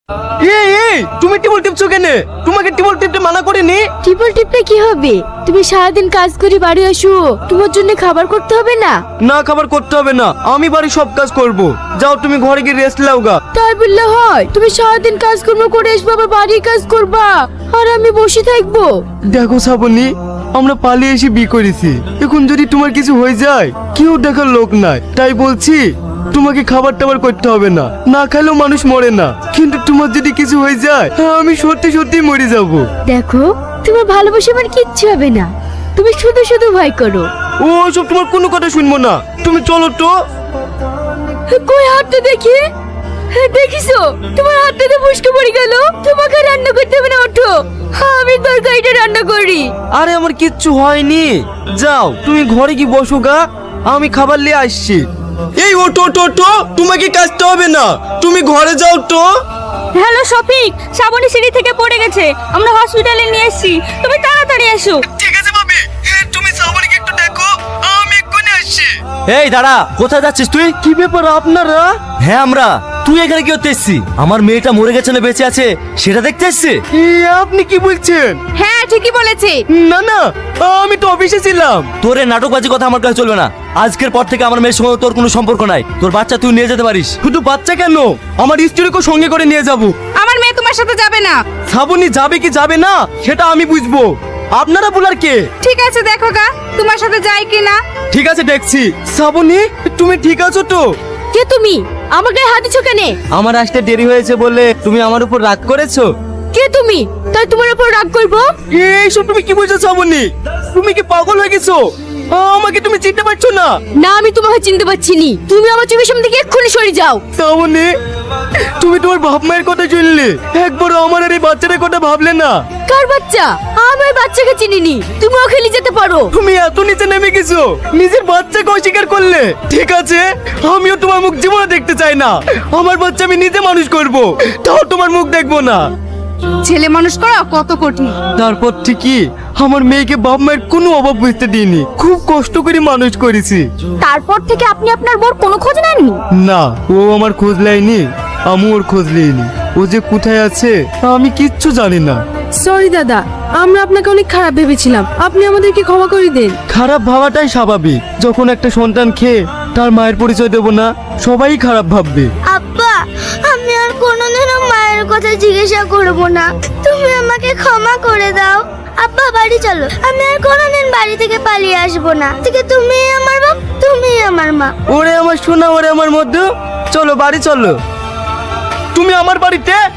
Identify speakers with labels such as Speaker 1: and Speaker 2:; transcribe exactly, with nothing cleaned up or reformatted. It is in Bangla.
Speaker 1: এই এই তুমি টিবল টিপছো কেন? তোমাকে টিবল টিপতে মানা করিনি।
Speaker 2: টিপল টিপে কি হবে? তুমি সারাদিন কাজ করে বাড়ি আসো, তোমার জন্য খাবার করতে হবে না?
Speaker 1: না, খাবার করতে হবে না, আমি বাড়ি সব কাজ করব। যাও তুমি ঘরে গিয়ে রেস্ট নাও গা।
Speaker 2: তাই বললে হয়? তুমি সারাদিন কাজকর্ম করে আসবে, আবার বাড়ির কাজ করবা, আর আমি বসে থাকবো?
Speaker 1: দেখো শ্রাবণী, আমরা পালিয়ে এসে বিয়ে করেছি। এখন যদি তোমার কিছু হয়ে যায়, কেউ দেখার লোক নাই। তাই বলছি তোমাকে খাবার টাবার করতে হবে না, না খেলেও মানুষ মরে না। কিন্তু তোমার যদি কিছু হয়ে যায়, আমি সত্যি সত্যি মরে যাব।
Speaker 2: দেখো, তোমার ভালোবাসা আমার কিচ্ছু হবে না, তুমি শুধু শুধু ভয় করো।
Speaker 1: ও সব তোমার কোনো কথা শুনবো না, তুমি চলো তো।
Speaker 2: কই হাতটা দেখি। দেখিছো, তোমার হাতটাতে মুশকে পড়ে গেল। তোমাকে রান্না করতে হবে না, ওঠো, আমি তরকারিটা রান্না করি।
Speaker 1: আরে আমার কিচ্ছু হয়নি, যাও তুমি ঘরে কি বসো গা, আমি খাবার নিয়ে আসছি। এই ওটো ওটো ওটো, তোমাকে কাজতে হবে না, তুমি ঘরে যাও তো।
Speaker 3: হ্যালো শফিক, শ্রাবণী সিঁড়ি থেকে পড়ে গেছে, আমরা হসপিটালে নিয়ে এসেছি, তুমি তাড়াতাড়ি এসো।
Speaker 1: ঠিক আছে ভাবি, তুমি শ্রাবণীকে একটু দেখো, আমি এক্ষুনি আসছি।
Speaker 4: এই দাঁড়া, কোথায় যাচ্ছিস তুই?
Speaker 1: কি ব্যাপার আপনারা?
Speaker 4: হ্যাঁ আমরা। তুই এখানে কি করতে এসছিস? আমার মেয়েটা মরে গেছে না বেঁচে আছে সেটা দেখতে এসছিস?
Speaker 1: এ, আপনি কি বলছেন?
Speaker 3: হ্যাঁ ঠিকই বলেছে।
Speaker 1: না না, আমি তো অফিসে ছিলাম।
Speaker 4: তোর এই নাটকবাজি কথা আমার কাছে চলবে না। আজকের পর থেকে আমার মেয়ের সঙ্গে তোর কোনো সম্পর্ক নাই। তোর বাচ্চা তুই নিয়ে যেতে পারিস।
Speaker 1: শুধু বাচ্চা কেন, আমার স্ত্রীকেও সঙ্গে করে নিয়ে যাব।
Speaker 3: আমার মেয়ে তোমার সাথে যাবে না।
Speaker 1: শ্রাবণী যাবে কি যাবে না সেটা আমি বুঝবো, আপনারা বলার কে?
Speaker 3: ঠিক আছে দেখো গা, তোমার সাথে যাই কি না।
Speaker 1: ঠিক আছে দেখছি। শ্রাবণী, তুমি ঠিক আছো তো?
Speaker 2: কে তুমি? আমাকে হাত দিছো কেন?
Speaker 1: আমার আসতে দেরি হয়েছে বলে তুমি আমার উপর রাগ করেছো?
Speaker 2: কে তুমি? তাই তোমার উপর রাগ করবো?
Speaker 1: এইসব তুমি কি বলছো শ্রাবণী? তুমি কি পাগল হয়ে গেছো? আমাকে তুমি চিনতে পারছো না?
Speaker 2: না, আমি তোমাকে চিনতে পারছি নি। তুমি আমার চোখের সামনে থেকে এক্ষুনি সরে যাও।
Speaker 1: শ্রাবণী, তুমি তোমার বাপ মায়ের কথা শুনলে, একবারও আমার আর এই বাচ্চাটার কথা ভাবলে না?
Speaker 2: কার বাচ্চা? আমি ওই বাচ্চাকে চিনিনি, তুমি ওকে নিয়ে যেতে পারো।
Speaker 1: তুমি এত নিচে নেমে গেছো, নিজের বাচ্চাকে অস্বীকার করলে। ঠিক আছে, আমিও তোমার মুখ জীবনে দেখতে চাই না। আমার বাচ্চা আমি নিজে মানুষ করব, তাও তোমার মুখ দেখবো না।
Speaker 3: ছেলে মানুষ করা কত কঠিন।
Speaker 1: তারপর ঠিকই আমার মেয়েকে বাপ মায়ের কোনো অভাব বুঝতে দিইনি, খুব কষ্ট করে মানুষ করেছি।
Speaker 2: তারপর থেকে আপনি আপনার বোর কোনো খোঁজ নেননি?
Speaker 1: না, ও আমার খোঁজ নেয়নি, আমি ওর খোঁজ নিইনি। ও যে কোথায় আছে আমি কিচ্ছু জানি না।
Speaker 5: সরি দাদা, আমরা আপনাকে অনেক খারাপ ভেবেছিলাম, আপনি আমাদেরকে ক্ষমা করে দিন।
Speaker 1: খারাপ ভাবাটাই স্বাভাবিক, যখন একটা সন্তান খেয়ে তার মায়ের পরিচয় দেব না, সবাই খারাপ ভাববে।
Speaker 6: আব্বা, আমি আর কোনোদিনও মায়ের কথা জিজ্ঞাসা করব না, তুমি আমাকে ক্ষমা করে দাও। আব্বা বাড়ি চলো, আমি আর কোনোদিন বাড়ি থেকে পালিয়ে আসবো না। থেকে তুমি আমার বাপ, তুমি আমার মা।
Speaker 1: ওরে আমার সোনা, ওরে আমার মধ্যে, চলো বাড়ি চলো। তুমি আমার বাড়িতে